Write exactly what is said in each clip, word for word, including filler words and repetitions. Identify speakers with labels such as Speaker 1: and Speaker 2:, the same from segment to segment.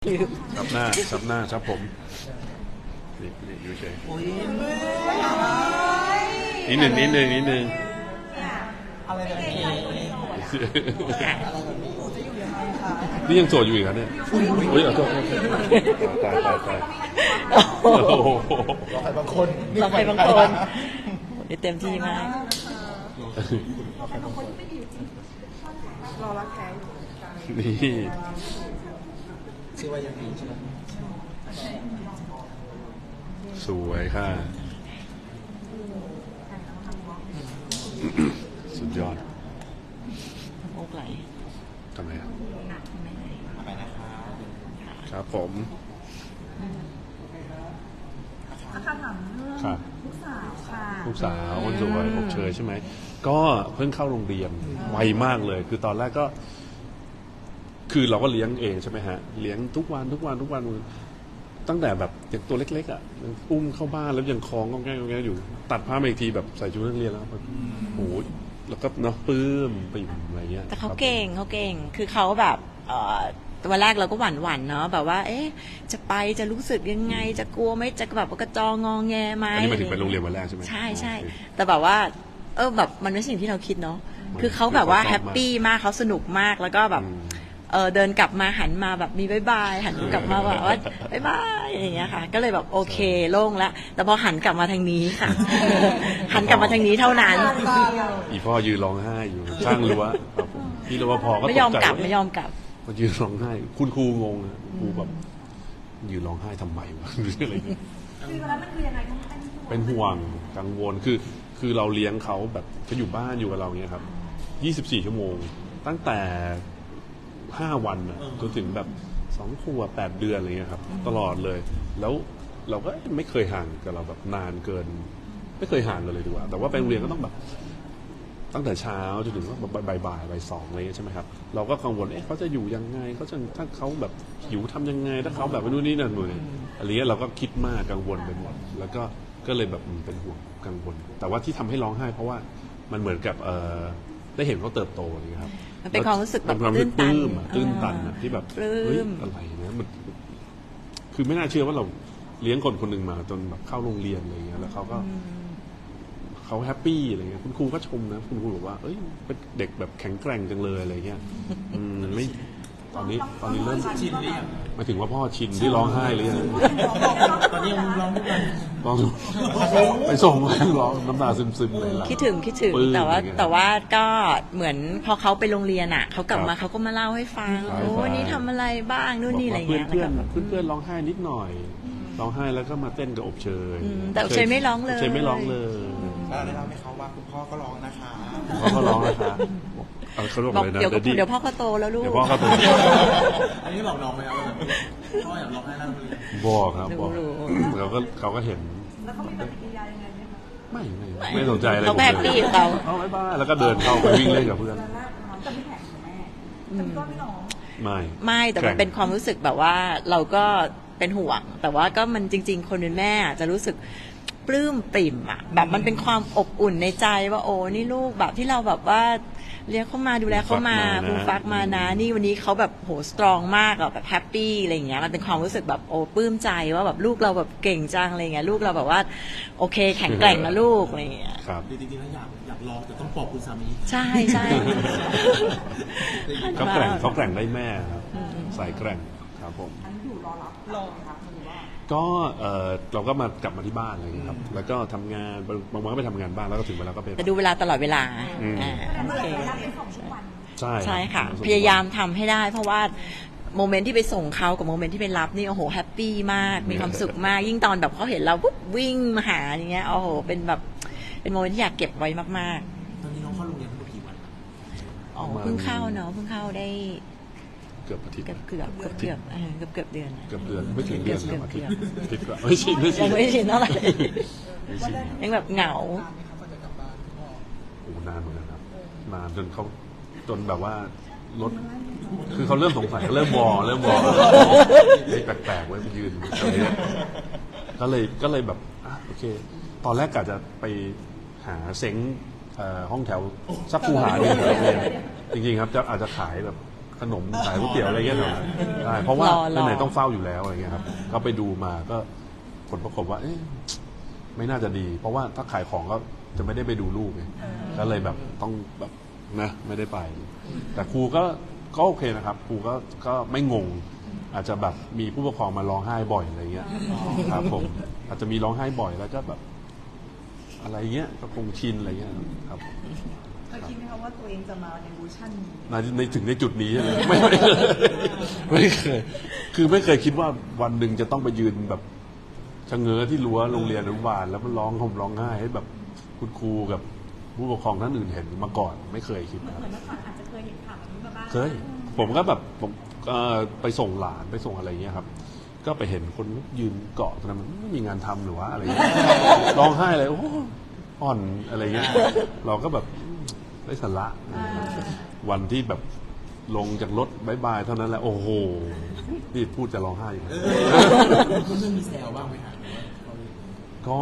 Speaker 1: ซับหน้าซับหน้าซับผมนี่นี่อยู่เฉยนิดหนึ่งนิดหนึ่งนิดหนึ่ง
Speaker 2: อะไรแบบนี้
Speaker 1: นี่ยังโสดอยู่อีกครับเนี่ยอุ้ยขอโทษตายตายตาย
Speaker 2: เราใครบางคน
Speaker 3: เราใครบางคนเต็มที่มาก
Speaker 4: รอรักแท้อยู่
Speaker 1: นี่
Speaker 2: ชื่อว่ายังดีใช่ไหม
Speaker 1: สวยค่ะสุดยอด
Speaker 3: โอ้ไหล
Speaker 1: ทำไมครับ
Speaker 2: ไปนะครับ
Speaker 1: ครับผม
Speaker 4: อาคารถามเรื่องลูกสาวค่ะ
Speaker 1: ลูกสาวคนสวยอบเชยใช่ไหมก็เพิ่งเข้าโรงเรียนไวมากเลยคือตอนแรกก็คือเราก็เลี้ยงเองใช่ไหมฮะเลี้ยงทุกวันทุกวันทุกวันตั้งแต่แบบอย่างตัวเล็กๆอ่ะอุ้มเข้าบ้านแล้วยังคล้องก็แง่ก็แง่อยู่ตัดผ้ามาอีกทีแบบใส่ชุดนักเรียนแล้วแบบโอ้โหแล้วก็เนาะปื้มปิ่มอะไรเงี้ย
Speaker 3: แต่เขาเก่งเขาเก่งคือเขาแบบเอ่อวันแรกเราก็หวั่นหวั่นเนาะแบบว่าเอ๊ะจะไปจะรู้สึกยังไงจะกลัวไหมจะแบบกระจองงอแงไหม
Speaker 1: อันนี้มาถึงไปโรงเรียนวันแรกใช่ไหม
Speaker 3: ใช่ใช่แต่แบบว่าเออแบบมันไม่ใช่สิ่งที่เราคิดเนาะคือเขาแบบว่าแฮปปี้มากเขาสนุกมากแล้วก็แบบเออเดินกลับมาหันมาแบบมีบายบายหันกลับมาแบบว่าบายบายอย่างเงี้ยค่ะก็เลยแบบโอเคโล่งแล้วแต่พอหันกลับมาทางนี้ค่ะหันกลับมาทางนี้เท่านั้น
Speaker 1: อีพ่อยืนร้องไห้อยู่ข้างรั้วครับผมพี่รปภก็
Speaker 3: ไม่ยอมกลับไม่ยอมกลับ
Speaker 1: พอยืนร้องไห้คุณครูงงครูแบบยืนร้องไห้ทำไมวะหรืออะไรเงี้ย
Speaker 4: คือวันนั้นมันคือยังไงต้อง
Speaker 1: เป็นห่วงกังวลคือคือเราเลี้ยงเขาแบบเขาอยู่บ้านอยู่กับเราเนี้ยครับยี่สิบสี่ชั่วโมงตั้งแต่ห้าวันจนถึงแบบสองขวบแปดเดือนอะไรเงี้ยครับตลอดเลยแล้วเราก็ไม่เคยห่างกับเราแบบนานเกินไม่เคยห่างกันเลยดีกว่าแต่ว่าไปโรงเรียนก็ต้องแบบตั้งแต่เช้าจนถึงว่าบ่ายบ่ายบ่ายสองอะไรใช่ไหมครับเราก็กังวลเอ๊ะเขาจะอยู่ยังไงเขาจะถ้าเขาแบบหิวทำยังไงถ้าเขาแบบนู่นนี่นั่นเลยอะไรเงี้ยเราก็คิดมากกังวลไปหมดแล้วก็ก็เลยแบบเป็นห่วงกังวลแต่ว่าที่ทำให้ร้องไห้เพราะว่ามันเหมือนกับเออได้เห็นเขาเติบโตนี่ครับ
Speaker 3: มันเป็นความรู้สึกแบบ
Speaker 1: ตื้นตันตื้นตันที่แบบเฮ้ยอะไรเนี่ยมันคือไม่น่าเชื่อว่าเราเลี้ยงคนคนหนึ่งมาจนแบบเข้าโรงเรียนอะไรเงี้ยแล้วเขาก็เขาแฮปปี้อะไรเงี้ยคุณครูก็ชมนะคุณครูบอกว่าเอ้ยเป็นเด็กแบบแข็งแกร่งจังเลยอะไรเงี้ยอืมไม่ตอนนี้ตอนนี้เริ่ม
Speaker 2: ชินหรือยัง
Speaker 1: มาถึงว่าพ่อชินที่ร้องไห้เลย
Speaker 2: ตอนนี้ยังร้องทุกวัน
Speaker 1: ร้องไปส่งร้องน้ำตาซึมๆเลยล่ะ
Speaker 3: คิดถึงคิดถึงแต่ว่าแต่ว่าก็เหมือนพอเขาไปโรงเรียนอ่ะเขากลับมาเขาก็มาเล่าให้ฟังโอ้วันนี้ทำอะไรบ้างนู่นนี่อะไรเงี้ย
Speaker 1: เพื่อนเพื่อนเพื่อนร้องไห้นิดหน่อยร้องไห้แล้วก็มาเต้นกับอบเชย
Speaker 3: แต่อบเชยไม่ร้องเลย
Speaker 1: อบเชยไม่ร้องเลย
Speaker 2: แล้วได้เล่าให้เขาว่าคุณพ่อก็ร้องนะคะ
Speaker 1: พ่อก็ร้องนะคะเขาบอกเลยนะ
Speaker 3: เดี๋ยวเดี๋ยวพ่อเขาโตแล้วลูก
Speaker 1: เดี๋ยวพ่อเขาโต
Speaker 2: อันนี้บอกน้องไหมครับพ่ออยากร้องให้นั่งเลย
Speaker 1: บอกครับบอกเขาก็เขาก็เห็น
Speaker 4: แล้วเขามีปฏิกิริยายังไงไหมคะ
Speaker 1: ไม่ไม่ไม่สนใจอะไร
Speaker 3: เขาแฮปปี้เขา
Speaker 1: เขาไม่บ้าแล้วก็เดินเข้าไปวิ่งเล่นกับเพื่อน
Speaker 4: จะไม่แข็งแม่แต่ก็ไม่ร้อง
Speaker 1: ไม่
Speaker 3: ไม่แต่มันเป็นความรู้สึกแบบว่าเราก็เป็นห่วงแต่ว่าก็มันจริงๆคนเป็นแม่จะรู้สึกปลื้มปริ่มอ่ะแบบมันเป็นความอบอุ่นในใจว่าโอ้นี่ลูกแบบที่เราแบบว่าเลี้ยงเขามาดูแลเขามาฟูฟักมานะนี่วันนี้เขาแบบโหสตรองมากอะแบบแฮปปี้อะไรอย่างเงี้ยมันเป็นความรู้สึกแบบโอ้ปลื้มใจว่าแบบลูกเราแบบเก่งจังอะไรเงี้ยลูกเราแบบว่าโอเคแข็งแกร่งนะลูกอะไรเงี้ย
Speaker 1: ครับ
Speaker 2: จริงๆแล้วอยากอยากลองแต่ต้องปอบคุณสามี
Speaker 3: ใช่ใช่
Speaker 1: เขาแกร่งเขาแกร่งได้แม่ครับสายแกร่งครับผม
Speaker 4: อันนี้อยู่รอรับรอครับ
Speaker 1: ก็เออเราก็มากลับมาที่บ้านอะไรอย่างเงี้ยครับแล้วก็ทำงานบางวันก็ไปทำงานบ้านแล้วก็ถึงเวลาก็ไป
Speaker 3: แต่ดูเวลาตลอดเวลาอ่าโอเค
Speaker 1: ใช่
Speaker 3: ใช่ค่ะพยายามทำให้ได้เพราะว่าโมเมนต์ที่ไปส่งเขากับโมเมนต์ที่ไปรับนี่โอ้โหแฮปปี้มากมีความสุขมากยิ่งตอนแบบเขาเห็นเราปุ๊บวิ่งมาหาอย่างเงี้ยโอ้โหเป็นแบบเป็นโมเมนต์ที่อยากเก็บไว้มาก
Speaker 2: ๆตอนนี้น้องเข้าโรงเรียนทั้งหมดกี่วัน
Speaker 3: อ๋อเพิ่งเข้าเนาะเพิ่งเข้าได้
Speaker 1: เกือบอาทิตย์
Speaker 3: เกือบเกือบเกือบเกือบเกือบเกือบเดือน
Speaker 1: เกือบเดือนไม่ถึงเดือน
Speaker 3: เกือบเกือบ
Speaker 1: อาทิตย์กว่าไม่ชินไม่ชิน
Speaker 3: ไม่ชินเท่าไหร่ยังแบบเหงา
Speaker 1: โอ้นานเหมือนกันครับนานจนเขาจนแบบว่ารถคือเขาเริ่มสงสัยเริ่มวอเริ่มวอแปลกๆไว้ไปยืนก็เลยก็เลยแบบอ่ะโอเคตอนแรกกะจะไปหาเซ้งห้องแถวสักคูหาหนึ่งจริงๆครับจะอาจจะขายแบบขนมขายก๋วยเตี๋ยวอะไรเงี้ยหน่อยใช่เพราะว่าร
Speaker 3: อรอ
Speaker 1: ไหนๆต้องเฝ้าอยู่แล้วอะไรเงี้ยครับก็ไปดูมาก็ผลปรากฏว่าเอ๊ะไม่น่าจะดี เพราะว่าถ้าขายของก็จะไม่ได้ไปดูลูกไงก็เลยแบบต้องแบบนะไม่ได้ไป แต่ครูก็ก็โอเคนะครับครูก็ก็ไม่งง อาจจะแบบมีผู้ปกครองมาร้องไห้บ่อยอะไรเงี้ยครับผมอาจจะมีร้องไห้บ่อยแล้วก็แบบ อะไรเงี้ยก็คงชินอะไรเงี้ยครับ
Speaker 4: เคยคิดไหมคะว่าตัวเองจะมาในเวอร์ชันนี้
Speaker 1: ในในถึงในจุดนี้ใช่ไหมไม่ไม่เคยไม่เคยคือไม่เคยคิดว่าวันหนึ่งจะต้องไปยืนแบบชะเง้อที่รั้วโรงเรียนอนุบาลแล้วมันร้องห่มร้องไห้ให้แบบคุณครูกับผู้ปกครองท่านอื่นเห็นมาก่อน ไม่เคยคิดนะครับ
Speaker 4: เหมือนเมื่อก่อนอาจจะเคยเห็นข่าวแบบนี้มาบ้าง
Speaker 1: เคยผมก็แบบผมเอ่อไปส่งหลานไปส่งอะไรเงี้ยครับ ก็ไปเห็นคนยืนเกาะตรงนั้นมันไม่มีงานทำหรือว่าอะไรเงี้ยร้องไห้เลยโอ้อ่อนอะไรเงี้ยเราก็แบบได้สาระวันที่แบบลงจากรถบายบายเท่านั้นแหละโอ้โหนี่พูดจะร้องไห้อยู่นะ
Speaker 2: เพื่อนๆมีแซวบ้างไหมครับ
Speaker 1: ก็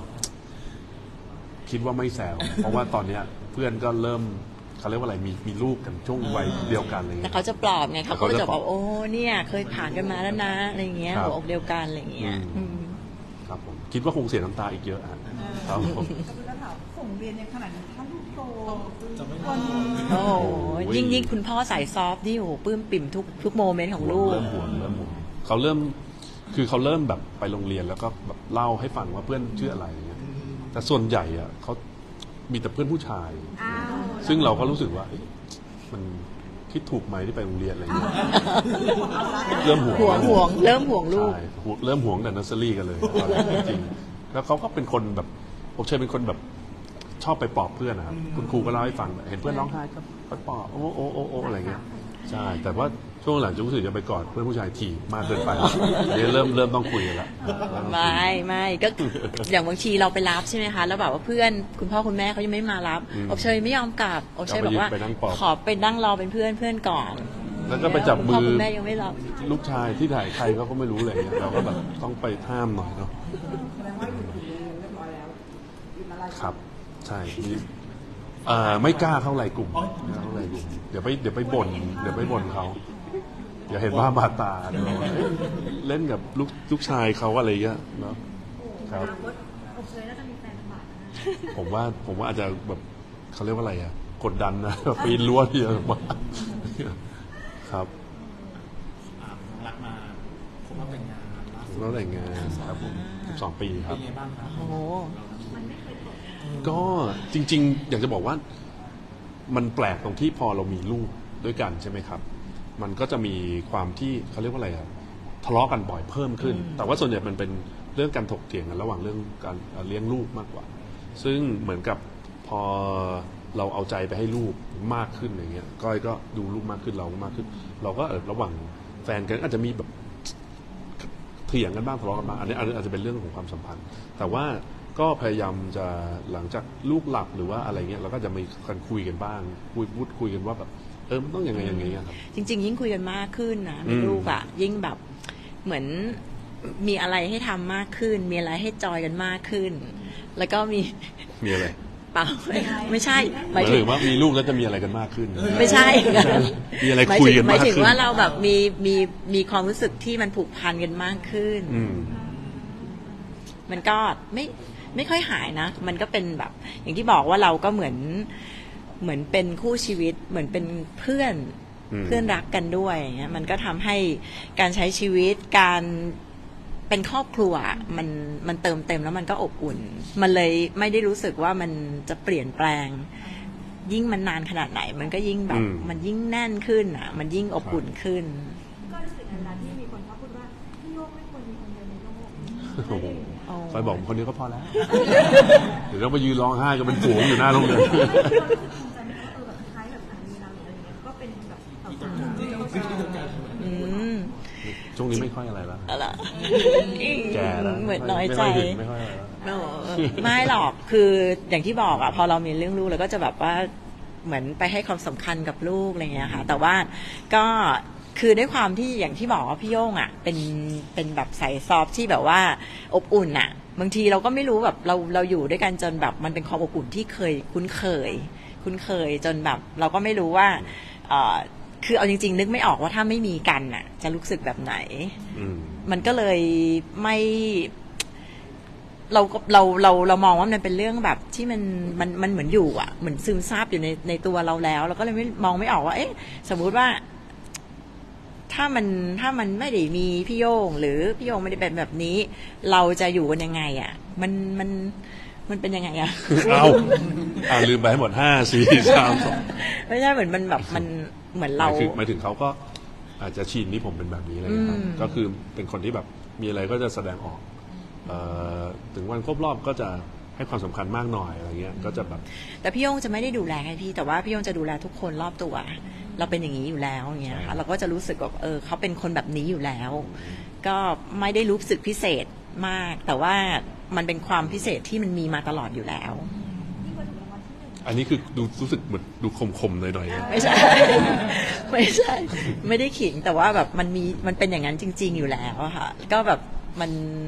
Speaker 1: คิดว่าไม่แซวเพราะว่าตอนเนี้ยเพื่อนก็เริ่มเขาเรียกว่าอะไรมีมีลูกกันช่วงวัยเดียวกันอะไร
Speaker 3: แต่
Speaker 1: เงี้ย
Speaker 3: เขาจะปลอบไงเขาก็
Speaker 1: แต่เขา
Speaker 3: จะ
Speaker 1: จะ
Speaker 3: บ
Speaker 1: ปล
Speaker 3: อ
Speaker 1: อบ
Speaker 3: กโอ้เนี่ยเคยผ่านกันมาแล้วนะอะไรอย่างเงี้ย
Speaker 1: ครับ
Speaker 3: หัวอกเดียวกันอะไรอย่างเงี้ย
Speaker 1: อืม
Speaker 3: อืม
Speaker 1: ครับผมคิดว่าคงเสียน้ำตาอีกเยอะอะครับผม
Speaker 4: ก็คือถ้าถามส่งเรียนในขนาดนี้ถ้าลูกโต
Speaker 2: จะไม่
Speaker 4: คน
Speaker 3: โอ้โห
Speaker 1: โอ้ย
Speaker 3: ยิ่งยิ่งคุณพ่อสายซอฟต์นี่โอ้โหปลื้มปิ่มทุกทุกโมเมนต์ของลูก
Speaker 1: เริ่มห่วงเริ่มห่วงเขาเริ่มคือเขาเริ่มแบบไปโรงเรียนแล้วก็แบบเล่าให้ฟังว่าเพื่อนชื่ออะไรอย่างเงี้ยแต่ส่วนใหญ่อะเขามีแต่เพื่อนผู้ชาย
Speaker 4: อ้าว
Speaker 1: ซึ่งเราก็รู้สึกว่าเอ๊ะมันคิดถูกไหมที่ไปโรงเรียนอะไรเงี้ยเริ่มห่วง
Speaker 3: ห่วงห่วงเริ่มห่วงลูก
Speaker 1: ใช่ห่วงเริ่มห่วงแต่เนอร์เซอรี่กันเลยตอนแรกจริงๆแล้วเขาก็เป็นคนแบบผมเชื่อเป็นคนแบบชอบไปปลอบเพื่อนนะครับคุณครูก็เล่าให้ฟังเห็นเพื่อนร้องไห้ก็ไปปลอบโอ้โอ้โอ้โอ้อะไรเงี้ยใช่แต่ว่าช่วงหลังจะรู้สึกจะไปกอดเพื่อนผู้ชายถี่มากเกินไปเดี๋ยวเริ่มเริ่มต้องคุยกันละ
Speaker 3: ไม่ไม่ก็ อย่างบางทีเราไปรับใช่ไหมคะแล้วแบบว่าเพื่อนคุณพ่อคุณแม่เขายังไม่มารับ
Speaker 1: อืม
Speaker 3: อบเชยไม่ยอมกลับอบเชยบอกว่า
Speaker 1: ไปนั่งปลอบ
Speaker 3: ขอไปนั่งรอเป็นเพื่อนเพื่อนก่อน
Speaker 1: แล้วก็ไปจับ
Speaker 3: คุณ
Speaker 1: มื
Speaker 3: พ่อ
Speaker 1: อ
Speaker 3: คุณแม่ยังไม่รับ
Speaker 1: ลูกชายที่ถ่ายใครเขาก็ไม่รู้เลยเนี่ยเราก็แบบต้องไปห้ามหน่อยเนาะ
Speaker 4: แสดงว่าอยู่ถึงเรียนเรียบร้อยแล้วอยู่อะไร
Speaker 1: ครับ ใช่มีเอ่อไม่กล้าเข้าไลน์กลุ่มไม่กล้าเข้าไลน์กลุ่มเดี๋ยวไปเดี๋ยวไปบ่นเดี๋ยวไปบ่นเขาเดี๋ยวเห็นว่าบาดตาเดี๋ยวบอกว่าเอ้ยเล่นกับลูกลูกชายเขาอะไรเงี้ยเนาะครับ
Speaker 4: อบเชยน่าจะมีแฟนลำบากนะ
Speaker 1: ผมว่าผมว่าอาจจะแบบเขาเรียกว่าอะไรอะกดดันนะปีนรั้วที่จะมาครับ
Speaker 2: อ่ารักมาคบมาแต่งงานล่าสุด
Speaker 1: แล้วแต่งงานครับผมสิบสองปีค
Speaker 2: เป็
Speaker 1: รับ
Speaker 2: นไงบ้างครับ
Speaker 3: โอ้โห
Speaker 1: ก็จริง ๆ อยากจะบอกว่ามันแปลกตรงที่พอเรามีลูกด้วยกันใช่ไหมครับ มันก็จะมีความที่เขาเรียกว่าอะไรครับทะเลาะกันบ่อยเพิ่มขึ้น แต่ว่าส่วนใหญ่มันเป็นเรื่องการถกเถียงกันระหว่างเรื่องการเลี้ยงลูกมากกว่า ซึ่งเหมือนกับพอเราเอาใจไปให้ลูกมากขึ้นอย่างเงี้ยก้อยก็ดูลูกมากขึ้นเรามากขึ้น เราก็เออระหว่างแฟนกันอาจจะมีแบบเถียงกันบ้างทะเลาะกันบ้างอันนี้อันนี้อาจจะเป็นเรื่องของความสัมพันธ์ แต่ว่าก็พยายามจะหลังจากลูกหลับหรือว่าอะไรเงี้ยเราก็จะมีการคุยกันบ้างคุยพูดคุยกันว่าแบบเออมันต้องยังไงยังไงอะครับ
Speaker 3: จริง ๆ ยิ่งคุยกันมากขึ้นนะมี
Speaker 1: อืม
Speaker 3: ลูกอ่ะ ยิ่งแบบเหมือนมีอะไรให้ทำมากขึ้น มีอะไรให้จอยกันมากขึ้น แล้วก็มี
Speaker 1: มีอะไร
Speaker 3: เปล่าไม่ใช่ห
Speaker 1: ห
Speaker 3: มาย
Speaker 1: มาย
Speaker 3: ถึ
Speaker 1: ถึ
Speaker 3: ง
Speaker 1: งว่ามีลูกแล้วจะมีอะไรกันมากขึ้น
Speaker 3: ไม่ใช่
Speaker 1: มีอะไร
Speaker 3: หมาย
Speaker 1: คุย
Speaker 3: ถึง
Speaker 1: กัน
Speaker 3: หมาม
Speaker 1: าย ก
Speaker 3: ถึง
Speaker 1: ขึ้น
Speaker 3: ว่าเราแบบมีมีมีความรู้สึกที่มันผูกพันกันมากขึ้น
Speaker 1: อืม
Speaker 3: มันก็ไม่ไม่ค่อยหายนะ มันก็เป็นแบบ อย่างที่บอกว่าเราก็เหมือนเหมือนเป็นคู่ชีวิต เหมือนเป็นเพื่อน
Speaker 1: อืม
Speaker 3: เพื่อนรักกันด้วยอย่างเงี้ยมันก็ทำให้การใช้ชีวิตการเป็นครอบครัวมันมันเติมเต็มแล้วมันก็อบอุ่น มันเลยไม่ได้รู้สึกว่ามันจะเปลี่ยนแปลง ยิ่งมันนานขนาดไหน มันก็ยิ่งแบบ
Speaker 1: อืม
Speaker 3: มันยิ่งแน่นขึ้นอ่ะ มันยิ่งอบอุ่นขึ้น
Speaker 4: ก็รู้สึกนานๆที่มีคนเขาพูดว่าพี่โลกไม่ควรมีคนเดียวในโลก
Speaker 1: โอ้โห
Speaker 3: อ๋อ
Speaker 1: คอยบอกคนนี้ก็พอแล้ว เดี๋ยวเราไปยืนร้องไห้กันเป็นฝูงอยู่หน้าโรงเรียน
Speaker 4: ภูมิใจไหมคะเออแบบคล้ายแบบสามีเราหรืออะไรเงี้ยก็เป็นแบบสาวๆที่เขาชอบ
Speaker 3: อืม
Speaker 1: ช่วงนี้ไม่ค่อยอะไรแล้ว
Speaker 3: อะไร
Speaker 1: แก่แล้ว
Speaker 3: เหมือนน้อยใจ
Speaker 1: ไม่ค่อยถึงไม่ค่อยอะไรแล้ว
Speaker 3: โอ้ไม่หรอก คืออย่างที่บอกอะพอเรามีเรื่องลูกเราก็จะแบบว่าเหมือนไปให้ความสำคัญกับลูกอะไรเงี้ยค่ะ แต่ว่าก็คือด้วยความที่อย่างที่บอกว่าพี่โย่งอะเป็นเป็นแบบสายซอฟต์ที่แบบว่าอบอุ่นอะบางทีเราก็ไม่รู้แบบเราเราอยู่ด้วยกันจนแบบมันเป็นความอบอุ่นที่เคยคุ้นเคย คุ้นเคยจนแบบเราก็ไม่รู้ว่าเอ่อคือเอาจริงๆ นึกไม่ออกว่าถ้าไม่มีกันน่ะ จะรู้สึกแบบไหน
Speaker 1: อืม
Speaker 3: มันก็เลยไม่ เราก็เราเราเรามองว่ามันเป็นเรื่องแบบที่มันมันมันเหมือนอยู่อ่ะเหมือนซึมซาบอยู่ในในตัวเราแล้วเราก็เลยไม่มองไม่ออกว่า เอ๊ะ สมมุติว่า ถ้ามันถ้ามันไม่ได้มีพี่โยงหรือพี่โยงไม่ได้เป็นแบบนี้ เราจะอยู่กันยังไงอ่ะ มันมันมันเป็นยังไงอ่ะ
Speaker 1: เอาอ่าลืมไปให้หมดห้าสี่สามสอง
Speaker 3: ไม่ใช่เหมือนมันแบบมันเหมือน
Speaker 1: ห
Speaker 3: เรา
Speaker 1: มายถึงหมายถึงเขาก็อาจจะชินที่ผมเป็นแบบนี้อะไรอย่างเงี้ยครับ
Speaker 3: อืม
Speaker 1: ก็คือเป็นคนที่แบบมีอะไรก็จะแสดงออกเอ่อถึงวันครบรอบก็จะให้ความสำคัญมากหน่อยอะไรเงี้ยก็จะแบบ
Speaker 3: แต่พี่โยงจะไม่ได้ดูแลให้พี่ แต่ว่าพี่โยงจะดูแลทุกคนรอบตัว เราเป็นอย่างนี้อยู่แล้วอย่างเงี้ยค่ะเราก็จะรู้สึกแบบเออเขาเป็นคนแบบนี้อยู่แล้ว ก็ไม่ได้รู้สึกพิเศษมาก แต่ว่ามันเป็นความพิเศษที่มันมีมาตลอดอยู่แล้ว
Speaker 4: ยิ่งกว่าถูกรางวัลที่หนึ่ง
Speaker 1: อันนี้คือดูรู้สึกเหมือนดูคมๆหน่อยๆนะ
Speaker 3: ไม่ใช่ ไม่ใช่ ไม่ได้ขิงแต่ว่าแบบมันมีมันเป็นอย่างนั้นจริง ๆ อยู่แล้วอะค่ะ ก็แบบมัน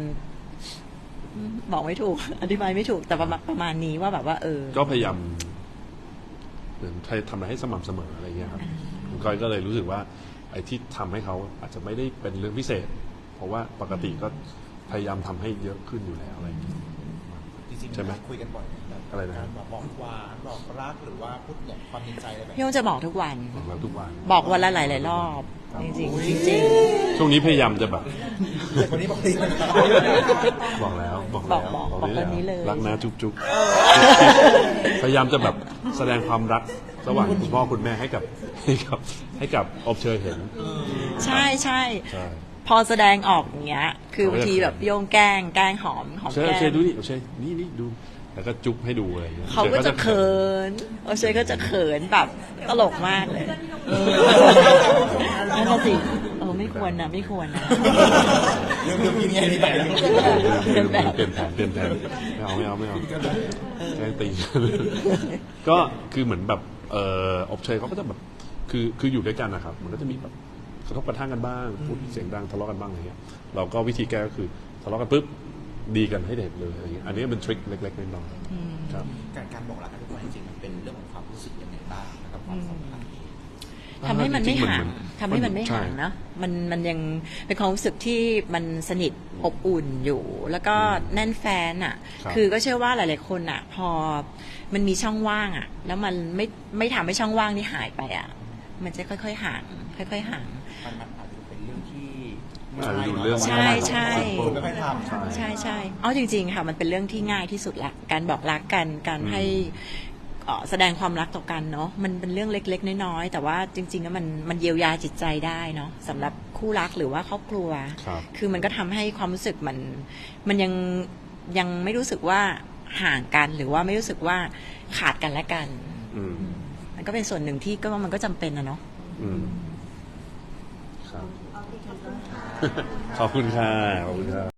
Speaker 3: บอกไม่ถูก อธิบายไม่ถูกแต่ประมาณประมาณนี้ว่าแบบว่า เออ
Speaker 1: ก็พยายามเหมือนทำอะไรให้สม่ำเสมออะไรเงี้ยครับคุณก้อยก็เลยรู้สึกว่า ไอ้ที่ทำให้เขาอาจจะไม่ได้เป็นเรื่องพิเศษ เพราะว่าปกติก็พยายามทำให้เยอะขึ้นอยู่แล้วอะไรอย่างเงี้ย
Speaker 2: จริงๆ
Speaker 1: ใช่ไหม
Speaker 2: คุยกันบ่อยแบบ
Speaker 1: อะไรนะ
Speaker 2: การบอกบอกหวานบอกรักหรือว่าพูดอย่างความในใจอะไรแบบ
Speaker 3: พี่โยงจะบอกทุกวัน
Speaker 1: บอกเราทุกวัน
Speaker 3: บอกวันละหลายๆรอบ จริงๆจริง
Speaker 1: ช่วงนี้พยายามจะแบบ
Speaker 2: วันนี้บอกดีมัน
Speaker 1: บอกแล้วบอก
Speaker 3: บ
Speaker 1: แล้
Speaker 3: อก
Speaker 1: ว
Speaker 3: บอกบอกคนนี้เลย
Speaker 1: รักนะจุ๊บจุ๊บพยายามจะแบบแสดงความรักระหว่างคุณพ่อคุณแม่ให้กับให้กับให้กับอบเชยเห็น
Speaker 3: ๆ ใช่ใช่
Speaker 1: ใช่
Speaker 3: พอแสดงออกอย่างเงี้ย คือบางทีแบบโยงแกล้งแกล้งหอมหอม
Speaker 1: เชย
Speaker 3: แก้
Speaker 1: เชย
Speaker 3: ม
Speaker 1: ดูนี่เชยนี่นี่ดูแล้วก็จุ๊บให้ดูอะไรอย่างเงี้ย
Speaker 3: เขาก็จะเขินโอเชยก็จะเขินแบบตลกมากเลยนั่นน่ะสิเออไม่ควรนะไม่ควรนะ
Speaker 2: เรื่องเรื่องนี้ไงนี่แบบ
Speaker 1: เปลี่ยนแผนเปลี่ยนแผนเปลี่ยนแผนไม่เอาไม่เอาไม่เอาแกล้งตี ก็คือเหมือนแบบเอออบเชยเขาก็จะแบบคือคืออยู่ด้วยกันนะครับมันก็จะมีแบบกระทบกระทั่งกันบ้างพูดเสียงดังทะเลาะกันบ้างอะไรเงี้ยเราก็วิธีแก้ก็คือทะเลาะกันปุ๊บดีกันให้เด็กเลยอะไรเงี้ยอันนี้เป็นทริคเล็กๆน้อยๆครับ
Speaker 2: การการบอกรักกันทุกวันจริงๆมันเป็นเรื่องของความรู้สึกยังไงบ้างนะครับความสัมพันธ์
Speaker 3: ทำให้มันไม่ห่าง
Speaker 1: จริงๆมัน
Speaker 3: ทำให้มันไม่ห่าง
Speaker 1: ใช่
Speaker 3: เนอะมันมันยังเป็นความรู้สึกที่มันสนิทอบอุ่นอยู่ แล้วก็แน่นแฟนอ่ะ
Speaker 1: ครับ
Speaker 3: คือก็เชื่อว่าหลาย ๆ คนอ่ะ พอมันมีช่องว่างอ่ะ แล้วมันไม่ไม่ทำให้ช่องว่างนี่หายไปอ่ะ มันจะค่อยๆห่าง ค่อยๆห่าง
Speaker 2: มันมันอาจจะเป็นเรื่องที่
Speaker 1: อาจจะดูเรื่อง
Speaker 3: ใช่ใช่
Speaker 2: คนไม่ค่อยทำ
Speaker 3: ใช่ใช่เอาจริง ๆ ค่ะ มันเป็นเรื่องที่ง่ายที่สุดละการบอกรักกันการให้เอ่อแสดงความรักต่อกันเนาะมันเป็นเรื่องเล็ก ๆ น้อยๆแต่ว่าจริงๆแล้วมันมันเยียวยาจิตใจได้เนาะสำหรับคู่รักหรือว่าครอบครัว
Speaker 1: ครับ
Speaker 3: คือมันก็ทำให้ความรู้สึกมันมันยังยังไม่รู้สึกว่าห่างกันหรือว่าไม่รู้สึกว่าขาดกันและกัน
Speaker 1: อืม
Speaker 3: มันก็เป็นส่วนหนึ่งที่ก็ว่ามันก็จำเป็นนะเนาะ
Speaker 1: อืมครับ
Speaker 4: เอาดีครับ
Speaker 1: ขอบคุณค่ะขอบคุณค่ะ